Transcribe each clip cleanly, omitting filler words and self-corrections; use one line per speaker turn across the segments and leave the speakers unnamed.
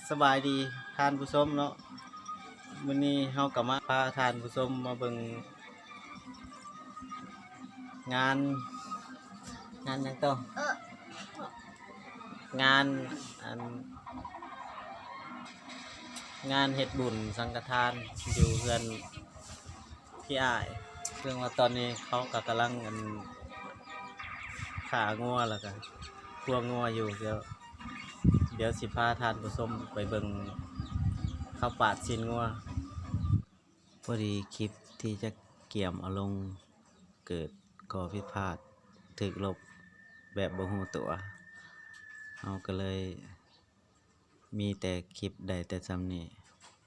สบายดีทานผู้ชมเนาะวันนี้เฮากลับมาพาทานผู้ชมมาเบิ่งงานหยังต่องานงานเฮ็ดบุญสังฆทานอยู่เพื่อนพี่อ้ายเรื่องว่าตอนนี้เขาก็กำลังขางัวแล้วก็คั่วงัวอยู่เดี๋ยวสิพาทานผู้ชมไปเบิ่งข้าวปาดชิ้นงัวพอดีคลิปที่จะเกี่ยมเอาลงเกิดก่อผิดพลาดถึกลบแบบบ่ฮู้ตัวเราก็เลยมีแต่คลิปใดแต่ซ้ำนี้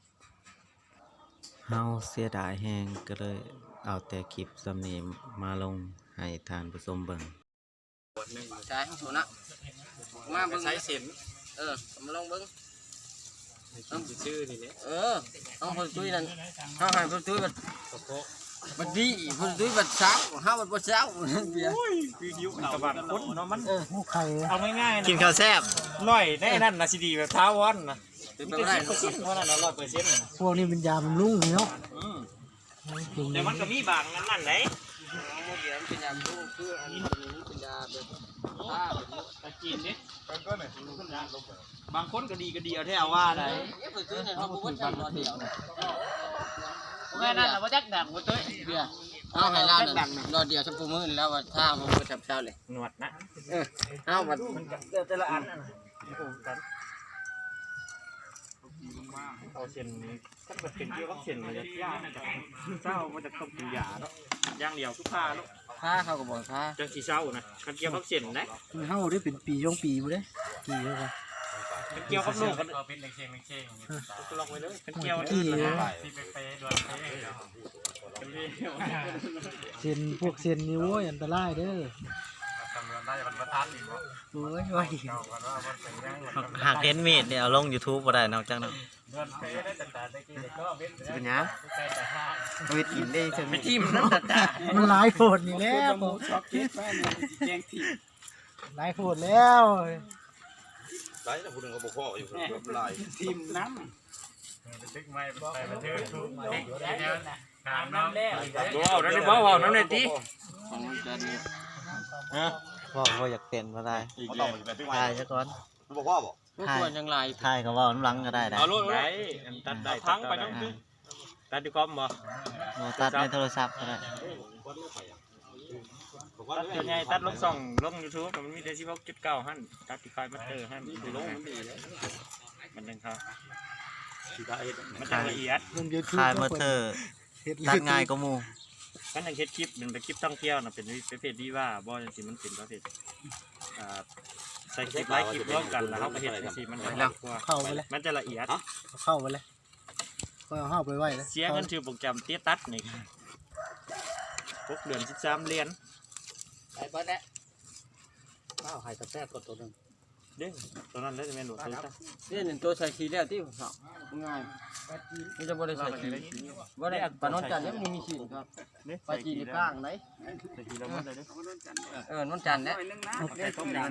เฮาเสียดายแฮงก็เลยเอาแต่คลิปซ้ำนี้มาลงให้ทานผู้ชมเบิ่ง
ใช่ถูกนะมาเบิ่งใช้เสียมมาลองเบิ่งต้องชื่อนี่เนี่ยต้องคนตุ้ยนั่นเขาให้คนตุ้ยบัดดีคนตุ้ยบัดเช้าห้าบัดบ่เช้าเบียร์
คือหิวกระบาดคนเนาะมัน
ไข่
เอาง่ายๆนะ
กินข้าวแซ่บ
ร้อยได้นั่นนะสิดีแบบท้าวอนนะเป็นไปได้เพราะนั่นเรา100%
พวกนี้เป็นยาบำรุงเนาะ
แต่มันก็มีบางนั่นไหน
เดี๋ยวเป็นยาลูกคืออันนี้เป็นยาแบบผ้าแบบนี้
ตะกินดิบางคนก็ดีเอาแท้ว่าได้
คนตุ้ยเนี่ยเขาบอกว่าใช่รอเดียว
แม่นั่นแหละว่าจักดังว่าตุ้ย
เบียร์เอาให้ร้านรอเดียวชั่วโมงมื้อแล้วว่าถ้ามันบ่จับเช้าเลย
หนวดนะ
เอาบัด
มันแต่ละอันเอาเส้นถ้าเกิดเป็นเกี่ยวกับเส้นมันจะยากเศร้ามันจะต้องกินยาเนาะอย่างเดียวทุกผ้าเนาะ
ผ้าเขาก็บอกผ้า
จังสีเศร้านะมันเกี่ยวกับเส้นนะ
มันเฮาได้เป็นปีย่องปีบ่ได้กี่แล้วกัน
เกี่ยวกับโลกมันเป็นเข่งก็ลองไปเลยเกี่ยว
กี่เส้นพวกเส้นนี่โว้ยอันตรายเด้อโอ้ย
หากเห็นมีดเนี่ยเอาลง YouTube บ่ได้นอกจากนั้นเป็นหยังเอาไปกินได้จัง
ไม่ทิ่มนั่นจ้ะ
มันหลายโพดนี่แล้วหลายโพดแล้ว
หลายแต่ผู้หนึ่งเขาบอกพ่ออยู่หลาย
ทิ่มน้ำตึกไม้ไปบันทึกทุกเด็กแล้วนะถามน้ำแล้วนั่นได้บ่นั่นได้ติ
พ่ออยากเต้นบ่ได้ถ่ายซะก่อน
บอกพ่อบ่
ควรยังไร
ถ่ายก็ว่าน้ำหลังก็ได้
เอาลูกได้ตัดได้ทั้งไปน้องตึ๊ตัดดีคอมบ่
ตัดในโทรศัพท์ก็ได้
ตัดเดี๋ยวไงตัดลงส่องลง YouTube มันมีแต่16.9หั่นตัดที่ไฟมัตเตอร์หั่นลงมันดีเลยมันจังครับมันจังละเอียด
ถ่ายมาเตอร์ตัดง่ายกว่าหมู่
มันจังเฮ็ดคลิปเป็นคลิปท่องเที่ยวน่ะเป็นประเภทดีว่าบ่จังซี่มันเป็นประเภทใส่คลิปหลายคลิปร่วมกันแล้วเฮาก็เฮ็ดจังซี่มันจะละกว่า
เข้าไปเลย
มันจะละเอียด
เข้าไปเลยก็เอาเข้าไปไว้เลย
เสียเงินชื่อโปรแกรมเตี้ยตัดนี่6เดือน13เหรียญ
ไปเบิดแล้วข้าวไข่ตะแซ่บก็ตัวนึง
เด้งตัวนั้นเลยจะแม่นหนูตัวนี้
นี่1ตัวใส่ขี้แล้วที่ผมบอกง่ายมันจะบ่ได้ใส่ขี้บ่ได้ปานนจันทร์ยังมีขี้ครับไปจีนก้างไหน
ใส่ขี้แล้วมันได้เด้
นนจันทร์เนี่ย